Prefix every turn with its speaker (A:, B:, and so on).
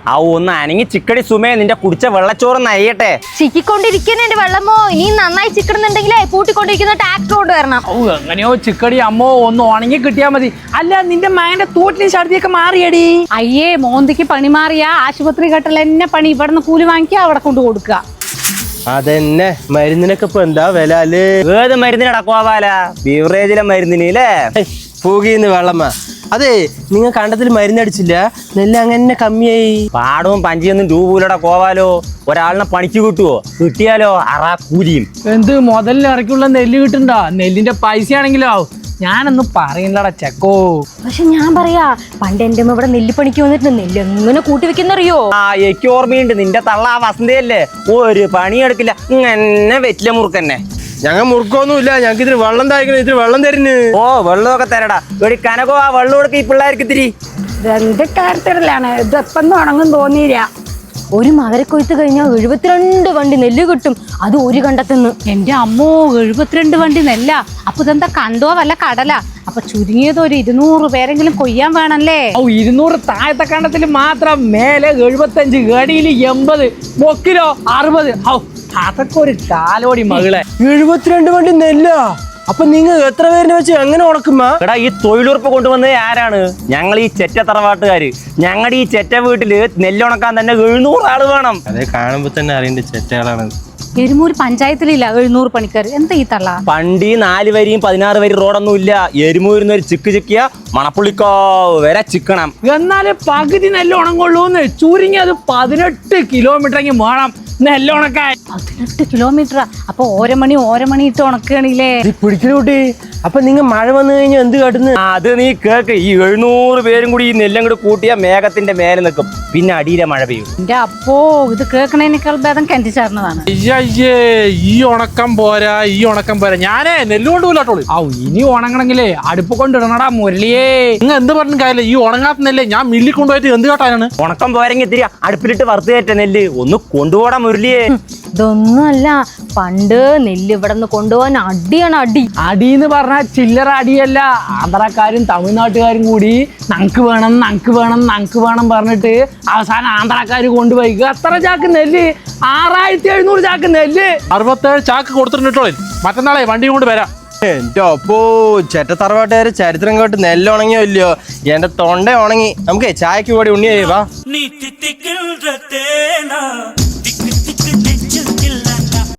A: ആ ഒന്ന് അനങ്ങി ചിക്കടി സുമേ, നിന്റെ കുടിച്ച വെള്ളച്ചോറ് നയ്യട്ടെ.
B: ചിക്കിക്കൊണ്ടിരിക്കുന്നുണ്ട് വെള്ളമോ. ഇനി നന്നായി ചിക്കടുന്നുണ്ടെങ്കിലേ പൂട്ടിക്കൊണ്ടിരിക്കുന്ന ട്രാക്ടർ കൊണ്ടുവരണം.
C: എങ്ങനെയോ ചിക്കടി അമ്മോ ഒന്ന് ഉണങ്ങി കിട്ടിയാ മതി. അല്ല നിന്റെ മകന്റെ തോട്ടിലും ഛർദിയൊക്കെ മാറിയടി?
D: അയ്യേ, മോന്തിക്ക് പണി മാറിയ ആശുപത്രി കെട്ടൽ എന്നെ പണി. ഇവിടുന്ന് കൂലി വാങ്ങിക്കുക, അവിടെ കൊണ്ട് കൊടുക്കുക.
E: അതന്നെ മരുന്നിനൊക്കെ ഇപ്പൊ എന്താ വില അല്ലേ?
A: ഏത് മരുന്നിനടക്കുവാല? ബീവറേജിലെ മരുന്നിന് അല്ലേ?
E: പൂകിന്ന് വെള്ളമ്മ. അതെ, നിങ്ങൾ കണ്ടത്തിൽ മരുന്നടിച്ചില്ല, നെല്ല് അങ്ങനെ കമ്മിയായി.
A: പാടവും പഞ്ചിയൊന്നും രൂപൂലടെ കോവാലോ. ഒരാളിനെ പണിക്ക് കിട്ടുവോ? കിട്ടിയാലോ അറാ കൂലിയും.
C: എന്ത് മുതലിന് ഇറക്കിയുള്ള നെല്ല് കിട്ടണ്ട? നെല്ലിന്റെ പൈസ ആണെങ്കിലോ ഞാനൊന്നും പറയുന്നടാ ചെക്കോ.
B: പക്ഷെ ഞാൻ പറയാ, പണ്ട് എന്റെ അമ്മ ഇവിടെ നെല്ലിപ്പണിക്ക് വന്നിട്ട് നെല്ല് എങ്ങനെ കൂട്ടി വെക്കുന്നറിയോ?
A: എനിക്ക് ഓർമ്മയുണ്ട്, നിന്റെ തള്ള ആ വസന്തയല്ലേ, ഒരു പണിയെടുക്കില്ല, ഇങ്ങനെ വെറ്റില മുറുക്കന്നെ.
E: ഞങ്ങൾ മുറുക്കൊന്നുമില്ല, ഞങ്ങൾക്ക് ഇതിന് വെള്ളം തായ്ക്കണം, ഇതിന് വെള്ളം തരുന്നു.
A: ഓ വെള്ളമൊക്കെ തരടാ. ഒരു കനകോ ആ വെള്ളം കൊടുക്ക ഈ പിള്ളേർക്ക് ഇത്തിരി.
D: രണ്ട് കാര്യത്തിലാണ് ഇത്. എപ്പം ഉണങ്ങും തോന്നിയില്ല.
B: ഒരു മകരക്കൊയ്ത്ത് കഴിഞ്ഞാൽ 72 വണ്ടി നെല്ല് കിട്ടും, അത് ഒരു കണ്ടത്തുനിന്ന്.
D: എന്റെ അമ്മോ, 72 വണ്ടി നെല്ല. അപ്പൊ ഇതെന്താ കണ്ടോ വല്ല കടല? അപ്പൊ ചുരുങ്ങിയത് ഒരു 200 പേരെങ്കിലും കൊയ്യാൻ വേണല്ലേ?
C: 200 താഴത്തെ കണ്ടത്തിൽ മാത്രം, മേലെ 75, ഗടിയിൽ 80, ബൊക്കിലോ 60. അതൊക്കെ ഒരു കാലോടി മകളെ.
E: 72 വണ്ടി നെല്ല. അപ്പൊ നിങ്ങൾ എത്ര പേരിനെ വെച്ച് എങ്ങനെ ഉണക്കുമ്പോ?
A: എടാ, ഈ തൊഴിലുറപ്പ് കൊണ്ടുവന്നത് ആരാണ്? ഞങ്ങൾ ഈ ചെറ്റ തറവാട്ടുകാര്. ഞങ്ങളുടെ ഈ ചെറ്റ വീട്ടില് നെല്ലുണക്കാൻ തന്നെ 700 ആള് വേണം.
E: അതെ, കാണുമ്പോ തന്നെ അറിയണ്ട ചെറ്റകളാണ്.
D: എരുമൂര് പഞ്ചായത്തിലില്ല 700 പണിക്കാർ. എന്താ ഈ തള്ള?
A: പണ്ടി 4 വരിയും 16 വരി റോഡൊന്നും ഇല്ല. എരുമൂരിന്ന് ഒരു ചിക്ക് ചിക്കിയ മണപ്പുള്ളിക്കാവ് വരെ ചിക്കണം.
C: എന്നാല് പകുതി നെല്ല് ഉണങ്ങുള്ളൂന്ന്. ചുരുങ്ങിയത് 18 കിലോമീറ്ററെങ്കിൽ വേണം നെല്ലുണക്കാൻ.
D: 18 കിലോമീറ്ററാ? അപ്പൊ ഓരോ മണി ഇട്ട് ഉണക്കുകയാണില്ലേ?
E: പിടിക്കലൂട്ടി. അപ്പൊ നിങ്ങൾ മഴ വന്നു കഴിഞ്ഞാൽ എന്ത് കാട്ടുന്നു?
A: അത് നീ കേക്ക്. ഈ 700 പേരും കൂടി ഈ നെല്ലും കൂടി കൂട്ടിയ മേഘത്തിന്റെ മേലെ നിൽക്കും, പിന്നെ അടിയിലെ മഴ പെയ്യും.
D: എന്റെ അപ്പോ, ഇത് കേൾക്കണേനേക്കാൾ ഭേദം കെന്റിച്ചേർന്നതാണ്.
F: അയ്യേ, ഈ ഉണക്കം പോരാ. ഞാനേ നെല്ല് കൊണ്ടുപോയിട്ടോളൂ.
C: ഇനി ഉണങ്ങണെങ്കിലേ അടുപ്പ് കൊണ്ടിടണടാ മുരളിയേ.
F: നിങ്ങൾ എന്ത് പറഞ്ഞ കാര്യമില്ല. ഈ ഉണങ്ങാത്ത നെല്ലേ ഞാൻ മില്ലിൽ കൊണ്ടുപോയിട്ട് എന്ത് കാട്ടാനാണ്?
A: ഉണക്കം പോരെങ്കിൽ ഇത്തിരി അടുപ്പിലിട്ട് വറുത്ത് കയറ്റ നെല്ല് ഒന്ന് കൊണ്ടുപോടാ മുരളിയേ.
B: ഇതൊന്നുമല്ല, പണ്ട് നെല്ല് ഇവിടെ നിന്ന് കൊണ്ടുപോകാൻ അടിയാണ് അടി.
C: അടിന്ന് പറഞ്ഞാൽ ചില്ലറ അടിയല്ല. ആന്ധ്രാക്കാരും തമിഴ്നാട്ടുകാരും കൂടി നങ്ക് വേണം പറഞ്ഞിട്ട് അവസാനം ആന്ധ്രാക്കാര് കൊണ്ടുപോയി എത്ര ചാക്ക് നെല്ല്? 6700 ചാക്ക് നെല്ല്.
F: 67 ചാക്ക് കൊടുത്തിട്ടുണ്ടോ? മറ്റന്നാളെ വണ്ടി കൊണ്ട് വരാം.
E: എന്റെ അപ്പോ, ചെറ്റ തറവാട്ടുകാര് ചരിത്രം കേട്ട് നെല്ല് ഉണങ്ങിയോ ഇല്ലയോ? എന്റെ തൊണ്ട ഉണങ്ങി. നമുക്ക് ചായക്ക് കൂടി ഉണ്ണിയായി വാ.